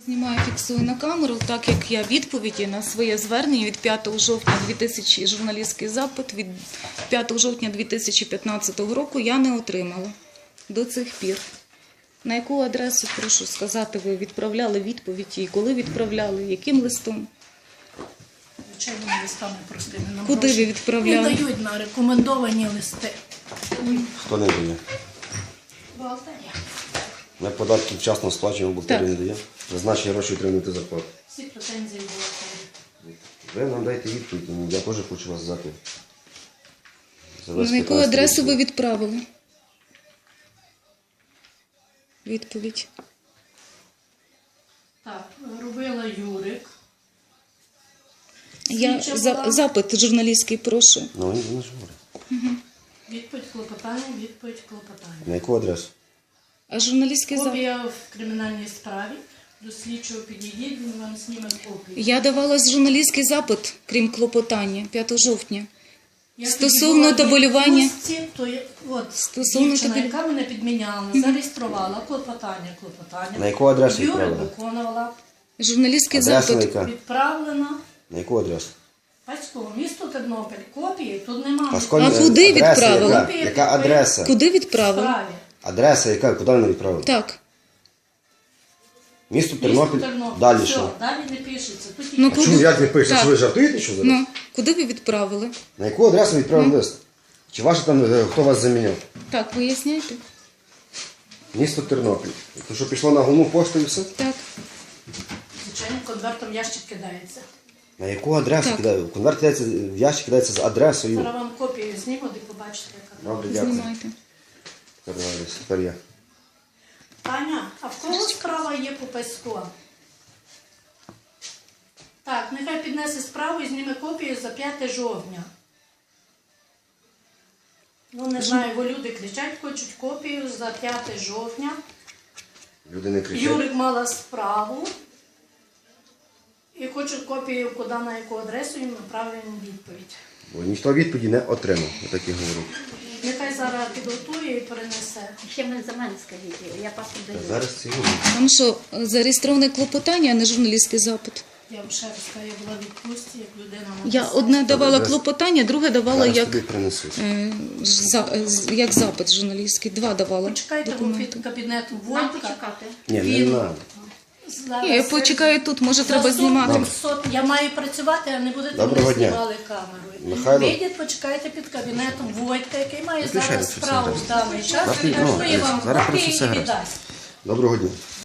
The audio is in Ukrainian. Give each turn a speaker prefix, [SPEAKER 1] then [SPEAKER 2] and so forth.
[SPEAKER 1] Знімаю, фіксую на камеру, так як я відповіді на своє звернення від 5 жовтня 2000, журналістський запит від 5 жовтня 2015 року я не отримала до цих пір. На яку адресу, прошу сказати, ви відправляли відповіді і коли відправляли, яким листом?
[SPEAKER 2] Звичайними листами простими. Нам
[SPEAKER 1] Куди
[SPEAKER 2] гроші
[SPEAKER 1] ви відправляли?
[SPEAKER 2] не дають на рекомендовані листи.
[SPEAKER 3] Хто не дає?
[SPEAKER 2] Бухгалтерія.
[SPEAKER 3] Ми податки вчасно сплачуємо, бухгалтерія не
[SPEAKER 1] Так.
[SPEAKER 3] дає. Призначені гроші отримуєте зарплату.
[SPEAKER 2] Всі претензії бухгалтерії.
[SPEAKER 3] Ви нам дайте відповідь, я теж хочу вас знати.
[SPEAKER 1] На яку адресу ви відправили? Відповідь.
[SPEAKER 2] Так, робила Юрик.
[SPEAKER 1] Я запит журналістський, прошу.
[SPEAKER 3] Ну, він не ж говорить.
[SPEAKER 2] Відповідь клопотання, відповідь клопотання.
[SPEAKER 3] На яку адресу?
[SPEAKER 1] А журналістський запит?
[SPEAKER 2] Копія в кримінальній справі. До слідчого підійдіть, він вам зніме копію.
[SPEAKER 1] Я давала журналістський запит, крім клопотання, 5 жовтня.
[SPEAKER 2] Я
[SPEAKER 1] Стосовно
[SPEAKER 2] тоді була в
[SPEAKER 1] табелювання.
[SPEAKER 2] відпустці, то
[SPEAKER 1] Стосовно
[SPEAKER 2] дівчина,
[SPEAKER 1] табелю-
[SPEAKER 2] яка мене підміняла, зареєструвала клопотання.
[SPEAKER 3] На яку адресу
[SPEAKER 2] Юрик
[SPEAKER 3] відправили?
[SPEAKER 2] виконувала.
[SPEAKER 1] Журналістський
[SPEAKER 3] Адреса
[SPEAKER 1] запит.
[SPEAKER 3] яка?
[SPEAKER 2] Відправлена.
[SPEAKER 3] На яку адресу?
[SPEAKER 2] Батьково, місто Тернопіль. Копії тут немає.
[SPEAKER 1] А куди
[SPEAKER 3] адреса
[SPEAKER 1] відправили?
[SPEAKER 3] Яка? Яка адреса?
[SPEAKER 1] Куди відправили?
[SPEAKER 2] Справі.
[SPEAKER 3] Адреса яка? Куди ви відправили?
[SPEAKER 1] Так.
[SPEAKER 3] Місто
[SPEAKER 2] Місто
[SPEAKER 3] Тернопіль.
[SPEAKER 2] Тернопіль.
[SPEAKER 3] Далі
[SPEAKER 2] Все,
[SPEAKER 3] що?
[SPEAKER 2] далі не пишеться. Тут
[SPEAKER 1] Ну,
[SPEAKER 2] тільки
[SPEAKER 1] куди?
[SPEAKER 3] Як не пишете?
[SPEAKER 1] Так.
[SPEAKER 3] Що ви жартуєте, що зараз?
[SPEAKER 1] Ну, куди ви відправили?
[SPEAKER 3] На яку адресу відправили лист? Чи ваше там, хто вас заміняв?
[SPEAKER 1] Так, виясняйте.
[SPEAKER 3] Місто Тернопіль. То що пішло на головну пошту і все?
[SPEAKER 1] Так.
[SPEAKER 2] звичайно конвертом ящик кидається.
[SPEAKER 3] На яку адресу
[SPEAKER 1] Так.
[SPEAKER 3] кидаю? Конверт кидається, в ящик кидається з адресою.
[SPEAKER 2] Зараз вам копію зніму, де побачите, яка.
[SPEAKER 3] Добре, дякую.
[SPEAKER 1] Знімайте.
[SPEAKER 3] Тепер я.
[SPEAKER 2] Таня, а в кого справа є по Песько? Так, нехай піднесе справу і зніме копію за 5 жовтня. Ну, не знаю, бо люди кричать, хочуть копію за 5 жовтня.
[SPEAKER 3] Люди не кричать.
[SPEAKER 2] Юрик мала справу. І хочу копію, куди, на яку адресу їм направлено відповідь.
[SPEAKER 3] Бо ніхто відповіді не отримав, я так і говорю.
[SPEAKER 2] Нехай зараз підготує і перенесе.
[SPEAKER 4] Ще мене за мене скажіть, я паспорт даю.
[SPEAKER 3] Зараз це говорю.
[SPEAKER 1] Там що, зареєстроване клопотання, а не журналістський запит?
[SPEAKER 2] Я вам ще раз кажу, я була в відпустці, як людина
[SPEAKER 1] Я
[SPEAKER 2] написала.
[SPEAKER 1] одне давала
[SPEAKER 3] зараз-
[SPEAKER 1] клопотання, друге давала
[SPEAKER 3] Зараз
[SPEAKER 1] як,
[SPEAKER 3] тобі принесуть.
[SPEAKER 1] як запит журналістський. Два давала
[SPEAKER 2] Почекайте, бо
[SPEAKER 1] документи.
[SPEAKER 2] під кабінетом
[SPEAKER 4] Нам
[SPEAKER 2] Волька.
[SPEAKER 4] почекати.
[SPEAKER 3] Ні, не
[SPEAKER 2] Він-
[SPEAKER 3] треба.
[SPEAKER 2] Зараз
[SPEAKER 1] Ні, я почекаю тут, може треба знімати.
[SPEAKER 2] Я маю працювати, а не будете
[SPEAKER 3] Доброго
[SPEAKER 2] мене
[SPEAKER 3] дня.
[SPEAKER 2] знімали камерою.
[SPEAKER 3] Михайло.
[SPEAKER 2] Вийдіть, почекайте під кабінетом Войка, який має
[SPEAKER 3] Виключайте
[SPEAKER 2] зараз
[SPEAKER 3] це
[SPEAKER 2] справу
[SPEAKER 3] все.
[SPEAKER 2] в даний час.
[SPEAKER 3] Зараз
[SPEAKER 2] Він
[SPEAKER 3] ну,
[SPEAKER 2] готує вам
[SPEAKER 3] зараз
[SPEAKER 2] копії
[SPEAKER 3] просто все
[SPEAKER 2] і
[SPEAKER 3] гаразд.
[SPEAKER 2] віддасть.
[SPEAKER 3] Доброго дня.